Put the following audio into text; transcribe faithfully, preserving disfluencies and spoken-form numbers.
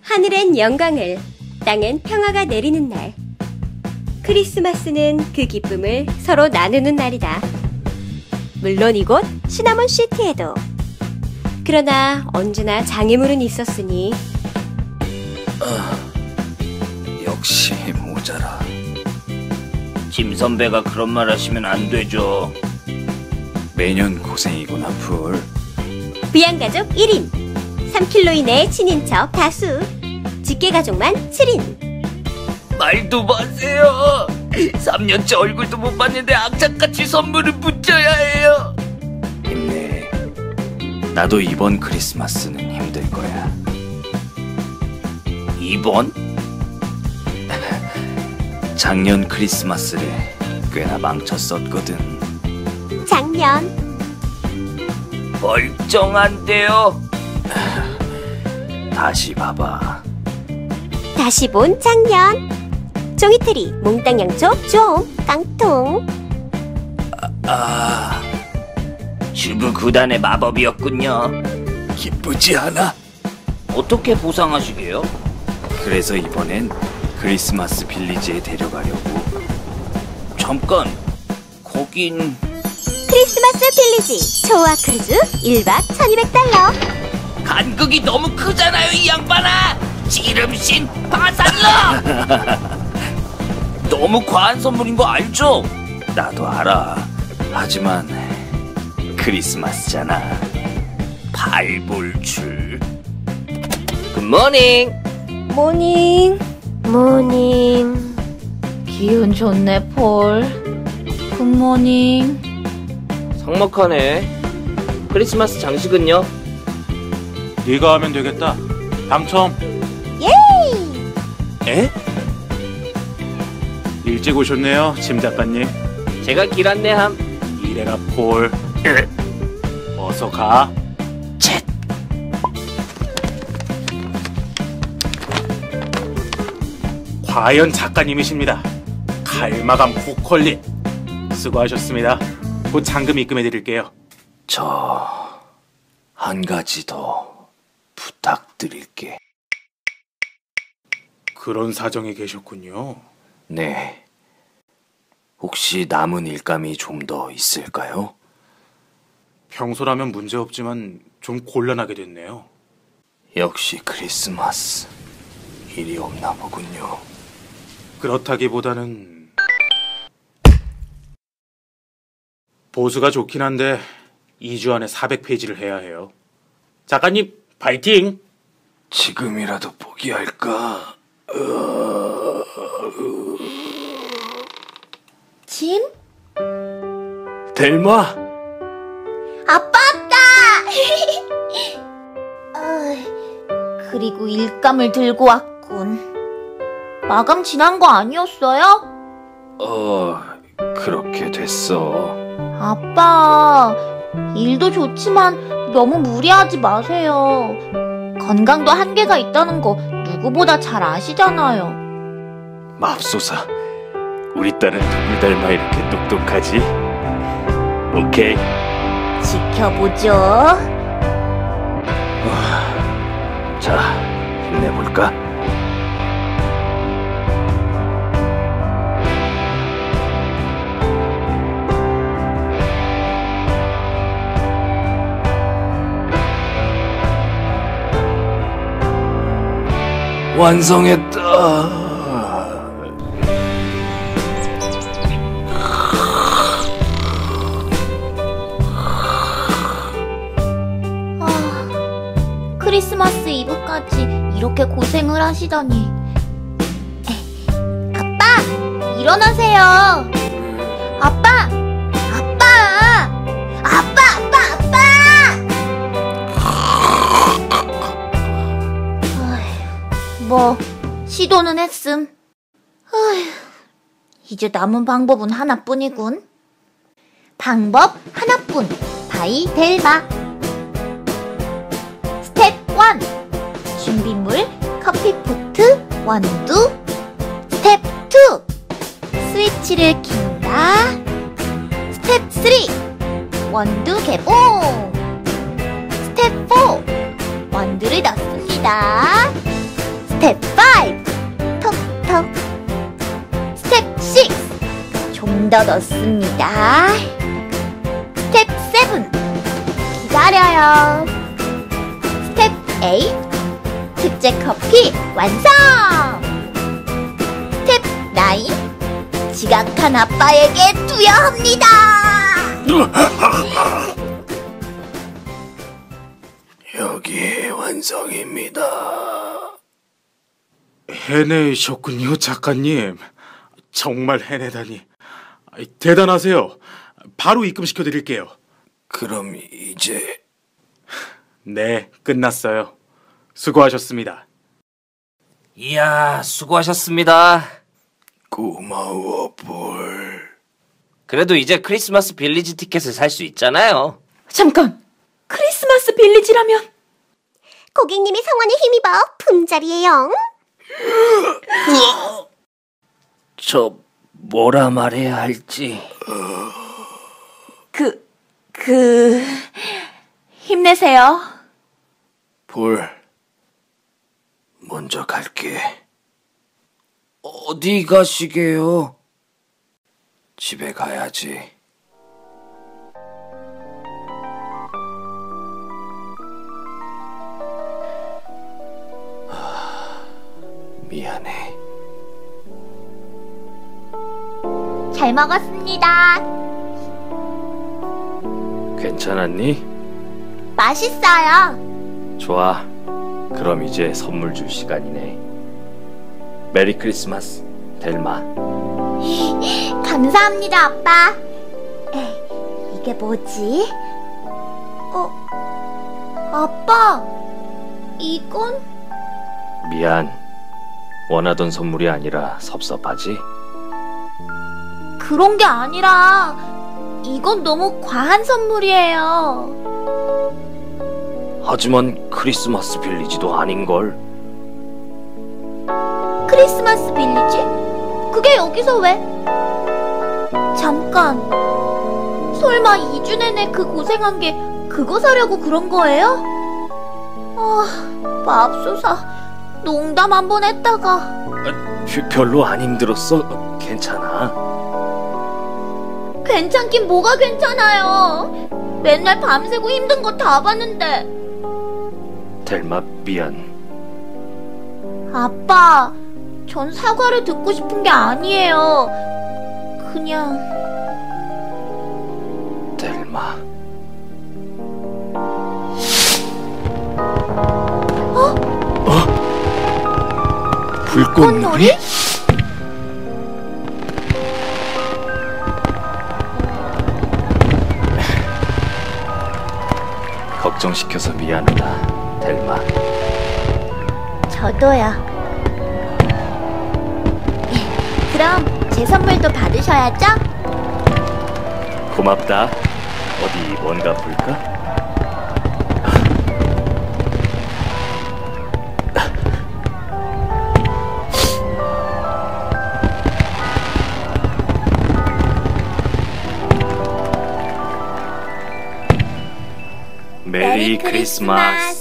하늘엔 영광을, 땅엔 평화가 내리는 날. 크리스마스는 그 기쁨을 서로 나누는 날이다. 물론 이곳 시나몬 시티에도. 그러나 언제나 장애물은 있었으니. 아, 역시 모자라. 짐 선배가 그런 말 하시면 안 되죠. 매년 고생이구나, 풀. 부양가족 일 인, 삼 킬로미터 이내의 친인척 다수, 직계가족만 칠 인. 말도 마세요. 삼 년째 얼굴도 못 봤는데 악착같이 선물을 붙여야 해요. 힘내. 나도 이번 크리스마스는 힘들 거야. 이번? 작년 크리스마스를 꽤나 망쳤었거든. 작년. 멀쩡한데요. 다시 봐봐. 다시 본 작년. 종이트리, 몽땅 양초, 좀 깡통. 아, 아... 주부 구단의 마법이었군요. 기쁘지 않아? 어떻게 보상하시게요? 그래서 이번엔 크리스마스 빌리지에 데려가려고. 잠깐, 거긴... 크리스마스 빌리지 초아 크루즈 일 박 천이백 달러. 간극이 너무 크잖아요, 이 양반아. 지름신 파산러. 너무 과한 선물인 거 알죠? 나도 알아. 하지만 크리스마스잖아. 발볼출. 굿모닝. 모닝. 모닝. 기운 좋네, 폴. 굿모닝. 성목하네. 크리스마스 장식은요? 네가 하면 되겠다. 당첨. 예이. 에? 일찍 오셨네요, 짐 작가님. 제가 길 안내함. 이래라, 폴. 어서 가. 쳇. 과연 작가님이십니다. 칼마감 국퀄리. 수고하셨습니다. 곧 잔금 입금해드릴게요. 저... 한 가지 더 부탁드릴게. 그런 사정이 계셨군요. 네. 혹시 남은 일감이 좀 더 있을까요? 평소라면 문제없지만 좀 곤란하게 됐네요. 역시 크리스마스. 일이 없나 보군요. 그렇다기보다는... 보수가 좋긴 한데 이 주 안에 사백 페이지를 해야 해요. 작가님, 파이팅! 지금이라도 포기할까? 짐? 델마! 아빠 왔다! 어이, 그리고 일감을 들고 왔군. 마감 지난 거 아니었어요? 어... 그렇게 됐어. 아빠, 일도 좋지만 너무 무리하지 마세요. 건강도 한계가 있다는 거 누구보다 잘 아시잖아요. 맙소사, 우리 딸은 누굴 닮아 이렇게 똑똑하지? 오케이. 지켜보죠. 자, 힘내볼까? 완성했다. 아, 크리스마스 이브까지 이렇게 고생을 하시다니. 에, 아빠, 일어나세요. 아빠, 아빠, 아빠, 아빠, 아빠. 뭐 시도는 했음. 어휴, 이제 남은 방법은 하나뿐이군. 방법 하나뿐. 바이 델마. 스텝 일. 준비물 커피포트, 원두. 스텝 이. 스위치를 킨다. 스텝 삼. 원두 개봉. 스텝 사. 원두를 넣습니다. 스텝 오, 톡톡. 스텝 육, 좀 더 넣습니다. 스텝 칠, 기다려요. 스텝 팔, 특제 커피 완성! 스텝 구, 지각한 아빠에게 투여합니다! 여기 완성입니다. 해내셨군요, 작가님. 정말 해내다니. 대단하세요. 바로 입금시켜 드릴게요. 그럼 이제 네, 끝났어요. 수고하셨습니다. 이야, 수고하셨습니다. 고마워, 볼. 그래도 이제 크리스마스 빌리지 티켓을 살 수 있잖아요. 잠깐! 크리스마스 빌리지라면 고객님의 성원에 힘입어 품절이에요. 저 뭐라 말해야 할지. 그... 그... 힘내세요. 볼. 먼저 갈게. 어디 가시게요? 집에 가야지. 하, 미안해. 잘 먹었습니다. 괜찮았니? 맛있어요. 좋아. 그럼 이제 선물 줄 시간이네. 메리 크리스마스, 델마. 감사합니다, 아빠. 에이, 이게 뭐지? 어, 아빠, 이건? 미안. 원하던 선물이 아니라 섭섭하지? 그런 게 아니라 이건 너무 과한 선물이에요. 하지만 크리스마스 빌리지도 아닌걸. 크리스마스 빌리지? 그게 여기서 왜? 잠깐, 설마 이 주 내내 그 고생한 게 그거 사려고 그런 거예요? 아, 맙소사. 농담 한 번 했다가. 별- 별로 안 힘들었어. 괜찮아. 괜찮긴 뭐가 괜찮아요. 맨날 밤새고 힘든 거 다 봤는데. 델마, 미안. 아빠, 전 사과를 듣고 싶은 게 아니에요. 그냥 델마. 어? 어? 불꽃놀이? 걱정시켜서 미안하다, 델마. 저도요. 그럼 제 선물도 받으셔야죠? 고맙다. 어디 뭔가 볼까? 메리 크리스마스.